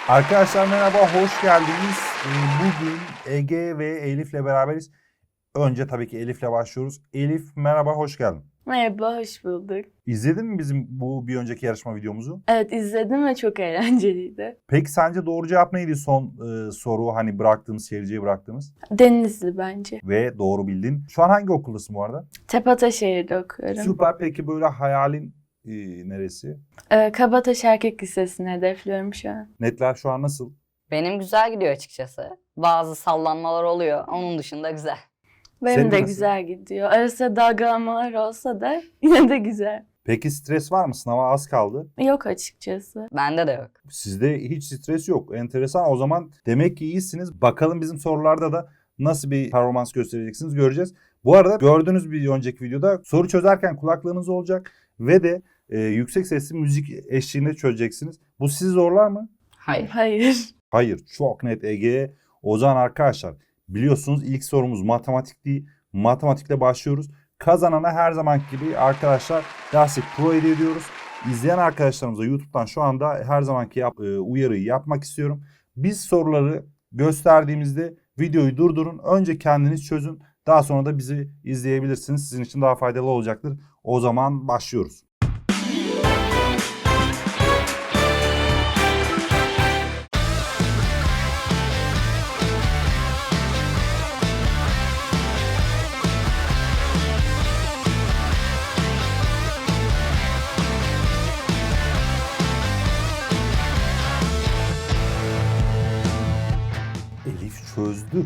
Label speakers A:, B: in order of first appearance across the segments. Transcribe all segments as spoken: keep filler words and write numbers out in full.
A: Arkadaşlar merhaba, hoş geldiniz. Ee, Bugün Ege ve Elif'le beraberiz. Önce tabii ki Elif'le başlıyoruz. Elif merhaba, hoş geldin.
B: Merhaba, hoş bulduk.
A: İzledin mi bizim bu bir önceki yarışma videomuzu?
B: Evet, izledim ve çok eğlenceliydi.
A: Peki sence doğru cevap neydi son e, soru, hani bıraktığımız, seyirciye bıraktığımız?
B: Denizli bence.
A: Ve doğru bildin. Şu an hangi okuldasın bu arada?
B: Tepe'de okuyorum.
A: Süper, peki böyle hayalin e, neresi?
B: Ee, Kabataş Erkek Lisesi'ni hedefliyorum şu an.
A: Netler şu an nasıl?
C: Benim güzel gidiyor açıkçası. Bazı sallanmalar oluyor. Onun dışında güzel.
B: Benim
A: Senin
B: de
A: nasıl?
B: güzel gidiyor. Arasında dalgalamalar olsa da yine de güzel.
A: Peki stres var mı? Sınava az kaldı.
B: Yok açıkçası.
C: Bende de yok.
A: Sizde hiç stres yok. Enteresan. O zaman demek ki iyisiniz. Bakalım bizim sorularda da nasıl bir performans göstereceksiniz göreceğiz. Bu arada gördüğünüz bir önceki videoda soru çözerken kulaklığınız olacak ve de e, yüksek sesli müzik eşliğinde çözeceksiniz. Bu sizi zorlar mı?
C: Hayır.
B: Hayır.
A: Hayır. Çok net Ege. O zaman arkadaşlar biliyorsunuz ilk sorumuz matematik değil. Matematikle başlıyoruz. Kazanana her zamanki gibi arkadaşlar derslik pro hediye ediyoruz. İzleyen arkadaşlarımıza YouTube'dan şu anda her zamanki yap, e, uyarıyı yapmak istiyorum. Biz soruları gösterdiğimizde videoyu durdurun. Önce kendiniz çözün. Daha sonra da bizi izleyebilirsiniz. Sizin için daha faydalı olacaktır. O zaman başlıyoruz. Elif çözdü.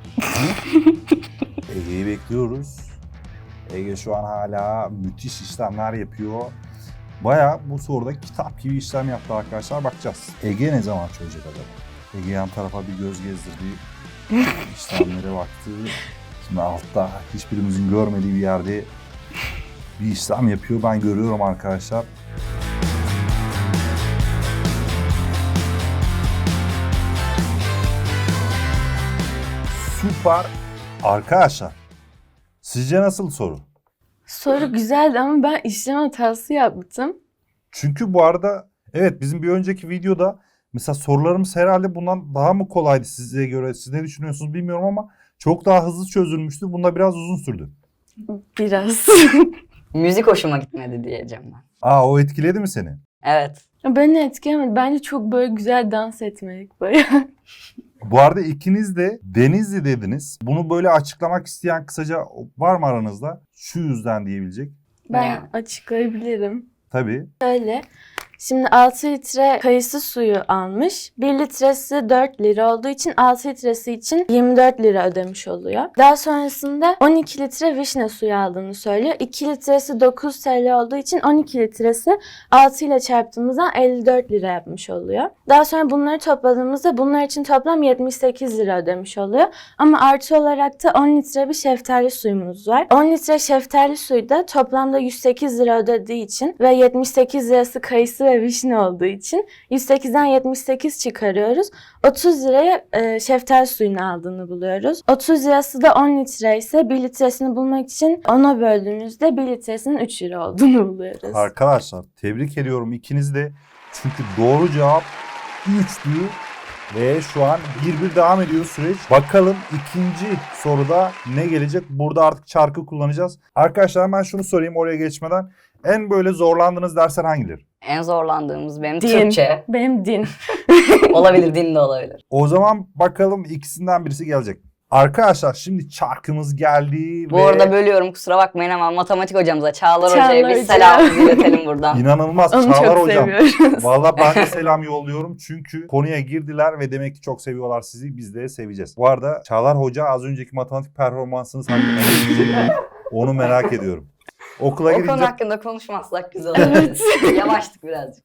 A: Ege'yi bekliyoruz. Ege şu an hala müthiş işlemler yapıyor. Baya bu soruda kitap gibi işlem yaptı arkadaşlar. Bakacağız. Ege ne zaman çözecek acaba? Ege yan tarafa bir göz gezdirdi. İşlemlere baktı. Şimdi altta hiçbirimizin görmediği bir yerde bir işlem yapıyor. Ben görüyorum arkadaşlar. Süper. Arkadaşlar sizce nasıl soru?
B: Soru güzeldi ama ben işlem hatası yaptım.
A: Çünkü bu arada evet bizim bir önceki videoda mesela sorularımız herhalde bundan daha mı kolaydı size göre? Siz ne düşünüyorsunuz bilmiyorum ama çok daha hızlı çözülmüştü. Bunda biraz uzun sürdü.
B: Biraz.
C: Müzik hoşuma gitmedi diyeceğim ben.
A: Aa, o etkiledi mi seni?
C: Evet.
B: Beni etkilemedi. Bence çok böyle güzel dans etmelik bayağı.
A: Bu arada ikiniz de Denizli dediniz. Bunu böyle açıklamak isteyen kısaca var mı aranızda? Şu yüzden diyebilecek.
B: Ben
C: Yani.
B: açıklayabilirim.
A: Tabii.
B: Öyle. Şimdi altı litre kayısı suyu almış. bir litresi dört lira olduğu için altı litresi için yirmi dört lira ödemiş oluyor. Daha sonrasında on iki litre vişne suyu aldığını söylüyor. iki litresi dokuz TL olduğu için on iki litresi altı ile çarptığımızda elli dört lira yapmış oluyor. Daha sonra bunları topladığımızda bunlar için toplam yetmiş sekiz lira ödemiş oluyor. Ama artı olarak da on litre bir şeftali suyumuz var. on litre şeftali suyu da toplamda yüz sekiz lira ödediği için ve yetmiş sekiz lirası kayısı ve vişne olduğu için yüz sekizden yetmiş sekiz çıkarıyoruz. otuz liraya e, şeftali suyunu aldığını buluyoruz. otuz lirası da on litre ise bir litresini bulmak için ona böldüğümüzde bir litresinin üç lira olduğunu buluyoruz.
A: Arkadaşlar tebrik ediyorum ikiniz de. Çünkü doğru cevap üçtü. Ve şu an bir bir devam ediyor süreç. Bakalım ikinci soruda ne gelecek? Burada artık çarkı kullanacağız. Arkadaşlar ben şunu sorayım oraya geçmeden. En böyle zorlandığınız dersler hangileri?
C: En zorlandığımız benim
B: Din.
C: Türkçe.
B: Benim din.
C: Olabilir, din de olabilir.
A: O zaman bakalım ikisinden birisi gelecek. Arkadaşlar şimdi çarkımız geldi
C: Bu
A: ve
C: arada bölüyorum, kusura bakmayın ama matematik hocamıza, Çağlar,
B: Çağlar
C: Hoca'ya bir
B: Hoca.
C: selam iletelim buradan.
A: inanılmaz
B: Onu
A: Çağlar
B: çok
A: hocam.
B: seviyoruz.
A: Vallahi ben de selam yolluyorum çünkü konuya girdiler ve demek ki çok seviyorlar sizi. Biz de seveceğiz. Bu arada Çağlar Hoca az önceki matematik performansınız hakkında ne diyecek mi? Onu merak ediyorum. Okula
C: O konu
A: gidince
C: hakkında konuşmazsak güzel olur. Yavaştık birazcık.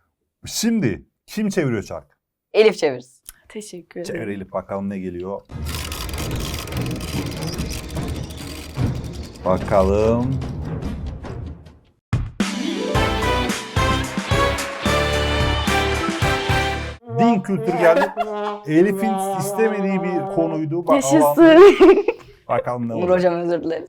A: şimdi kim çeviriyor çark?
C: Elif çevirsin.
B: Teşekkür ederim.
A: Çevirelim bakalım ne geliyor. Bakalım. Din kültürü geldi. Elif'in istemediği bir konuydu. Bak,
B: Yaşasın.
A: bakalım ne
C: Nur
A: olacak.
C: Hocam özür dilerim.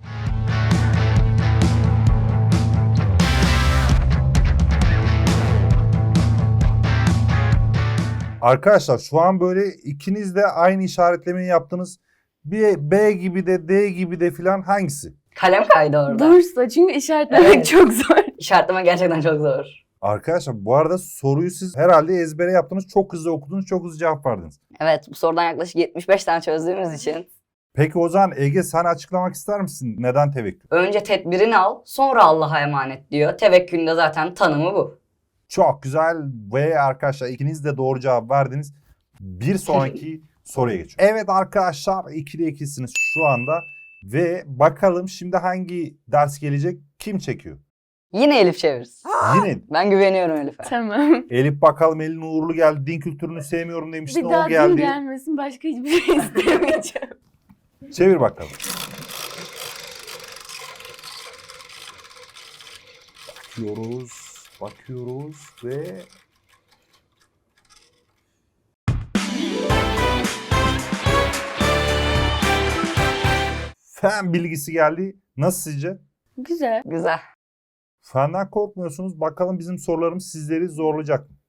A: Arkadaşlar şu an böyle ikiniz de aynı işaretlemeyi yaptınız. Bir B gibi de D gibi de filan hangisi?
C: Kalem kaydı orada.
B: Bursa çünkü işaretlemek
C: Evet.
B: çok zor.
C: İşaretleme gerçekten çok zor.
A: Arkadaşlar bu arada soruyu siz herhalde ezbere yaptınız. Çok hızlı okudunuz, çok hızlı cevap verdiniz.
C: Evet, bu sorudan yaklaşık yetmiş beş tane çözdüğümüz için
A: Peki o zaman Ege sen açıklamak ister misin? Neden tevekkül?
C: önce tedbirini al, sonra Allah'a emanet diyor. Tevekkülün de zaten tanımı bu.
A: Çok güzel ve arkadaşlar ikiniz de doğru cevap verdiniz. Bir sonraki soruya geçiyoruz. Evet arkadaşlar ikide ikisiniz şu anda. Ve bakalım şimdi hangi ders gelecek? Kim çekiyor?
C: Yine Elif çeviririz.
A: Yine
C: Ben güveniyorum Elif'e.
B: Tamam.
A: Elif bakalım elin uğurlu geldi. Din kültürünü sevmiyorum demiştin.
B: Bir
A: O
B: daha din
A: geldi.
B: gelmesin, başka hiçbir şey istemeyeceğim.
A: Çevir bakalım. Bakıyoruz. Bakıyoruz ve... Fen bilgisi geldi. Nasıl sizce?
B: Güzel.
C: Güzel.
A: Fenden korkmuyorsunuz. Bakalım bizim sorularımız sizleri zorlayacak mı?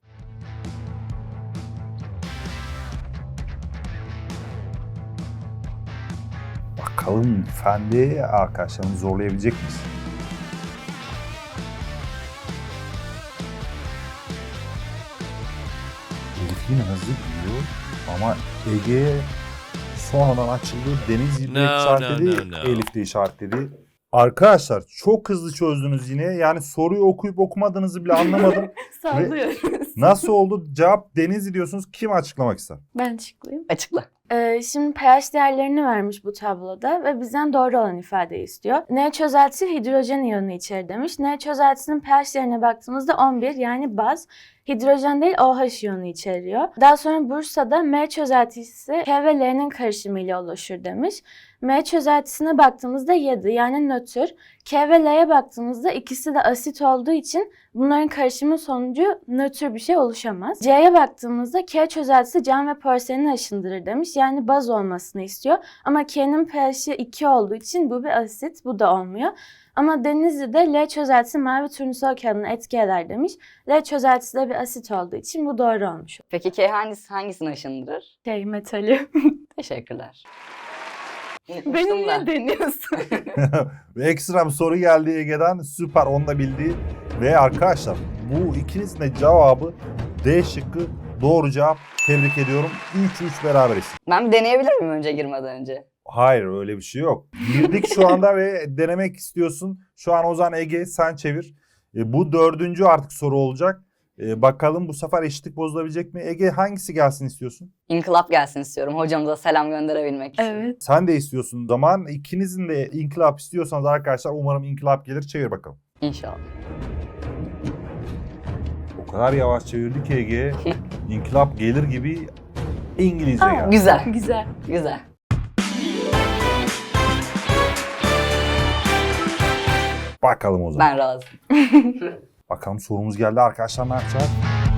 A: Bakalım fende arkadaşlarımızı zorlayabilecek miyiz? Elif yine hızlı gidiyor ama Ege sonradan açıldı. Deniz yine
D: No,
A: işaretledi,
D: no, no, no.
A: Elif de işaretledi. Arkadaşlar çok hızlı çözdünüz yine. Yani soruyu okuyup okumadığınızı bile anlamadım.
B: Sallıyoruz.
A: Nasıl oldu? Cevap Denizli diyorsunuz. Kim açıklamak ister?
B: Ben açıklayayım.
C: Açıkla.
B: Ee, şimdi pH değerlerini vermiş bu tabloda ve bizden doğru olan ifadeyi istiyor. N çözeltisi hidrojen iyonu içerir demiş. N çözeltisinin pH değerine baktığımızda on bir yani baz. Hidrojen değil OH iyonu içeriyor. Daha sonra Bursa'da M çözeltisi K ve L'nin karışımıyla oluşur demiş. M çözeltisine baktığımızda yedi yani nötr. K ve L'ye baktığımızda ikisi de asit olduğu için bunların karışımı sonucu nötr bir şey oluşamaz. C'ye baktığımızda K çözeltisi cam ve porseleni aşındırır demiş. Yani baz olmasını istiyor. Ama K'nin pH'i iki olduğu için bu bir asit, bu da olmuyor. Ama Denizli'de L çözeltisi mavi turnusol kağıdına etki eder demiş. L çözeltisi de bir asit olduğu için bu doğru olmuş.
C: Peki K hangisi, hangisini aşındırır?
B: Şey metali.
C: Teşekkürler.
B: Beni
C: Unutmuştum
B: niye
C: da.
B: deniyorsun?
A: Ve ekstra bir soru geldi Ege'den. Süper, onu da bildi. Ve arkadaşlar bu ikinizin de cevabı D şıkkı doğru cevap. Tebrik ediyorum. üç üç beraberiz.
C: Ben bir deneyebilir miyim önce girmeden önce?
A: Hayır öyle bir şey yok. Girdik şu anda ve denemek istiyorsun. Şu an Ozan Ege sen çevir. E, bu dördüncü artık soru olacak. E, bakalım bu sefer eşitlik bozulabilecek mi? Ege hangisi gelsin istiyorsun?
C: İnkılap gelsin istiyorum. Hocamıza selam gönderebilmek için.
B: Evet.
A: Sen de istiyorsun o zaman. İkinizin de inkılap istiyorsanız arkadaşlar umarım inkılap gelir. Çevir bakalım.
C: İnşallah.
A: O kadar yavaş çevirdi ki Ege. İnkılap gelir gibi İngilizce
B: Aa,
A: geldi.
C: Güzel.
B: Güzel.
C: Güzel.
A: Bakalım o zaman.
C: Ben razıyım.
A: Bakalım sorumuz geldi arkadaşlar, ne yapacağız?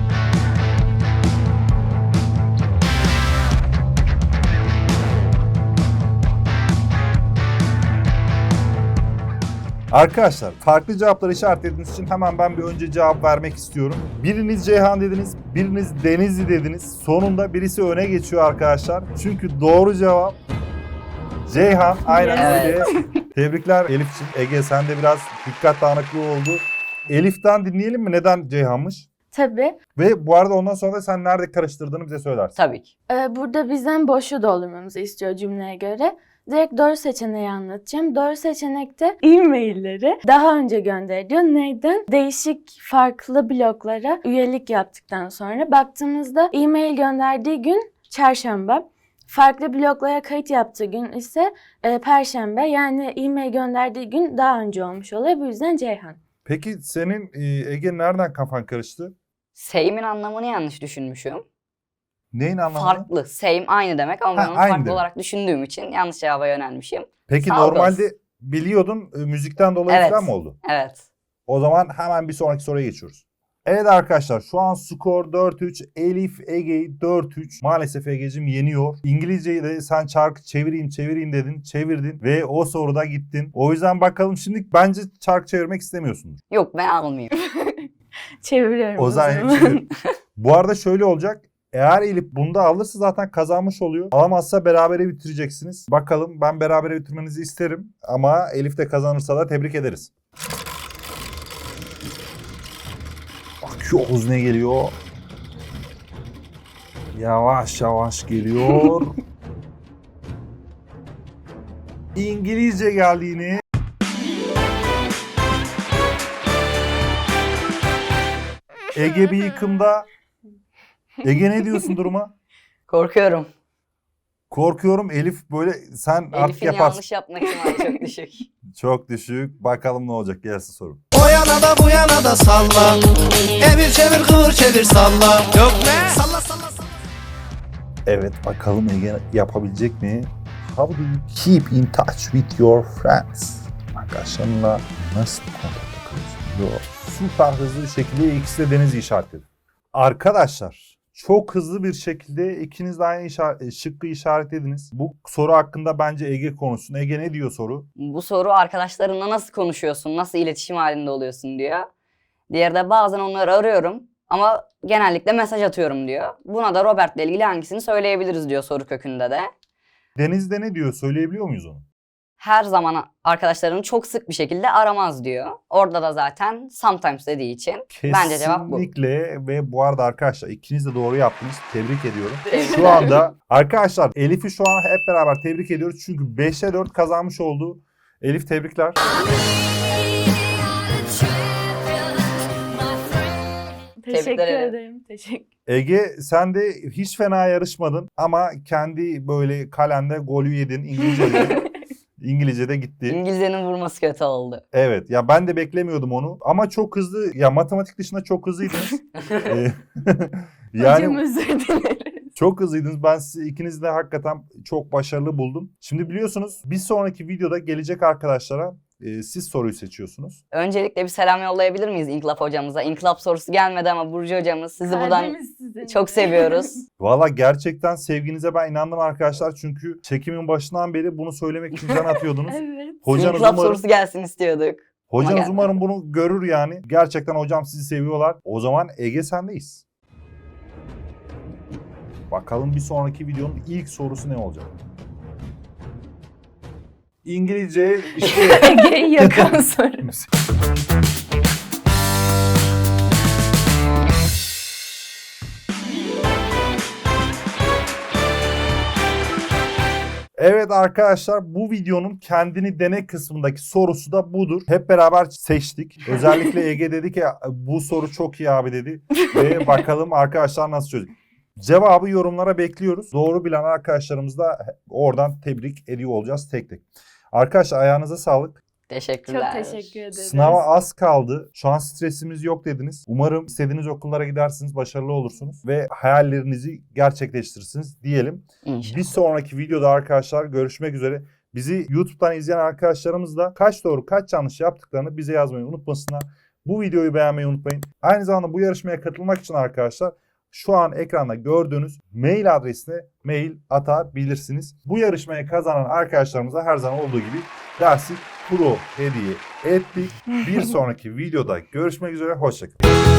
A: Arkadaşlar farklı cevapları işaretlediğiniz için hemen ben bir önce cevap vermek istiyorum. Biriniz Ceyhan dediniz, biriniz Denizli dediniz. Sonunda birisi öne geçiyor arkadaşlar. Çünkü doğru cevap Ceyhan. Aynen
C: Evet.
A: öyle. Tebrikler Elif'ciğim. Ege sende biraz dikkat dağınıklığı oldu. Elif'ten dinleyelim mi? Neden Ceyhan'mış?
B: Tabii.
A: Ve bu arada ondan sonra da sen nerede karıştırdığını bize söylersin.
C: Tabii ki.
B: Ee, burada bizden boşu doldurmamızı istiyor cümleye göre. Direkt doğru seçeneği anlatacağım. Doğru seçenekte e-mailleri daha önce gönderiliyor. Neyden? Değişik farklı bloklara üyelik yaptıktan sonra. Baktığımızda e-mail gönderdiği gün çarşamba. Farklı bloklara kayıt yaptığı gün ise e, perşembe. Yani e-mail gönderdiği gün daha önce olmuş oluyor. Bu yüzden Ceyhan.
A: Peki senin e, Ege nereden kafan karıştı?
C: Same'in anlamını yanlış düşünmüşüm.
A: Neyin anlamı?
C: Farklı. Same aynı demek ama ben
A: Ha,
C: onu
A: aynı
C: farklı
A: demek.
C: olarak düşündüğüm için yanlış cevaba yönelmişim.
A: Peki
C: Sağ ol
A: normalde
C: dost.
A: biliyordun e, müzikten dolayı
C: Evet.
A: falan mı oldu?
C: Evet.
A: O zaman hemen bir sonraki soruya geçiyoruz. Evet arkadaşlar şu an skor dört üç. Elif Ege'yi dört üç. Maalesef Ege'cim yeniyor. İngilizceyi de sen çarkı çevireyim çevireyim dedin. Çevirdin ve o soruda gittin. O yüzden bakalım şimdi bence çark çevirmek istemiyorsundur.
C: Yok ben almayayım.
B: Çeviriyorum
A: O
B: o
A: zaman
B: zaman.
A: çevir. Bu arada şöyle olacak. Eğer Elif bunda alırsa zaten kazanmış oluyor. Alamazsa berabere bitireceksiniz. Bakalım, ben berabere bitirmenizi isterim. Ama Elif de kazanırsa da tebrik ederiz. Bakıyoruz ne geliyor. Yavaş yavaş geliyor. İngilizce geldi yine. Ege bir yıkımda. Ege ne diyorsun duruma?
C: Korkuyorum.
A: Korkuyorum Elif böyle sen artık
C: Elif'in
A: yaparsın.
C: yanlış yapma ihtimali çok düşük.
A: Çok düşük. Bakalım ne olacak, gelsin soru.
D: O yana da bu yana da salla. Evir çevir kıvır çevir salla. Yok ne? Salla salla salla.
A: Evet, bakalım Ege yapabilecek mi? How do you keep in touch with your friends? Arkadaşlarınla nasıl kontakta kalıyorsun? Yo, süper hızlı bir şekilde ikisi de Deniz'i işaretledi. Arkadaşlar çok hızlı bir şekilde ikiniz de aynı işaret, şıkkı işaretlediniz. Bu soru hakkında bence Ege konuşsun. Ege ne diyor soru?
C: Bu soru arkadaşlarınla nasıl konuşuyorsun, nasıl iletişim halinde oluyorsun diyor. Diğeri de bazen onları arıyorum ama genellikle mesaj atıyorum diyor. Buna da Robert'le ilgili hangisini söyleyebiliriz diyor soru kökünde de.
A: Deniz de ne diyor? Söyleyebiliyor muyuz onu?
C: Her zaman arkadaşlarını çok sık bir şekilde aramaz diyor. Orada da zaten sometimes dediği için bence cevap bu.
A: Kesinlikle. Ve bu arada arkadaşlar ikiniz de doğru yaptınız. Tebrik ediyorum.
C: Teşekkür
A: Şu anda arkadaşlar Elif'i şu an hep beraber tebrik ediyoruz. Çünkü beşe dört kazanmış oldu. Elif tebrikler.
B: Teşekkür
C: Tebrikler ederim.
B: ederim. Teşekkür.
A: Ege sen de hiç fena yarışmadın ama kendi böyle kalende golü yedin. İngilizce'de. İngilizce'de gitti.
C: İngilizcenin vurması kötü oldu.
A: Evet ya, ben de beklemiyordum onu ama çok hızlı, ya matematik dışında çok hızlıydınız. Ee,
B: Hocam
A: yani
B: özür dileriz.
A: çok hızlıydınız. Ben sizi ikinizi de hakikaten çok başarılı buldum. Şimdi biliyorsunuz bir sonraki videoda gelecek arkadaşlara e, siz soruyu seçiyorsunuz.
C: Öncelikle bir selam yollayabilir miyiz İnkılap hocamıza? İnkılap sorusu gelmedi ama Burcu hocamız sizi buradan
B: Kalbimiz sizinle.
C: çok seviyoruz.
A: Valla gerçekten sevginize ben inandım arkadaşlar. Çünkü çekimin başından beri bunu söylemek için can atıyordunuz.
B: Evet.
A: Hocanız
C: İnkılap
A: umarım,
C: sorusu gelsin istiyorduk.
A: hocanız
C: gelmedi.
A: umarım bunu görür yani. Gerçekten hocam sizi seviyorlar. O zaman Ege sendeyiz. Bakalım bir sonraki videonun ilk sorusu ne olacak? İngilizce işte...
B: Ege'yi yakan soru.
A: Evet arkadaşlar, bu videonun kendini dene kısmındaki sorusu da budur. Hep beraber seçtik. Özellikle Ege dedi ki bu soru çok iyi abi dedi. Ve bakalım arkadaşlar nasıl çözecek. Cevabı yorumlara bekliyoruz. Doğru bilen arkadaşlarımız da oradan tebrik ediyor olacağız tek tek. Arkadaşlar ayağınıza sağlık.
C: Teşekkürler.
B: Çok teşekkür ederiz.
A: Sınava az kaldı. Şu an stresimiz yok dediniz. Umarım istediğiniz okullara gidersiniz, başarılı olursunuz ve hayallerinizi gerçekleştirirsiniz diyelim.
C: İnşallah.
A: Bir sonraki videoda arkadaşlar görüşmek üzere. Bizi YouTube'dan izleyen arkadaşlarımız da kaç doğru kaç yanlış yaptıklarını bize yazmayı unutmasınlar. Bu videoyu beğenmeyi unutmayın. Aynı zamanda bu yarışmaya katılmak için arkadaşlar şu an ekranda gördüğünüz mail adresine mail atabilirsiniz. Bu yarışmaya kazanan arkadaşlarımıza her zaman olduğu gibi Dersik Pro hediye ettik. Bir sonraki videoda görüşmek üzere. Hoşçakalın.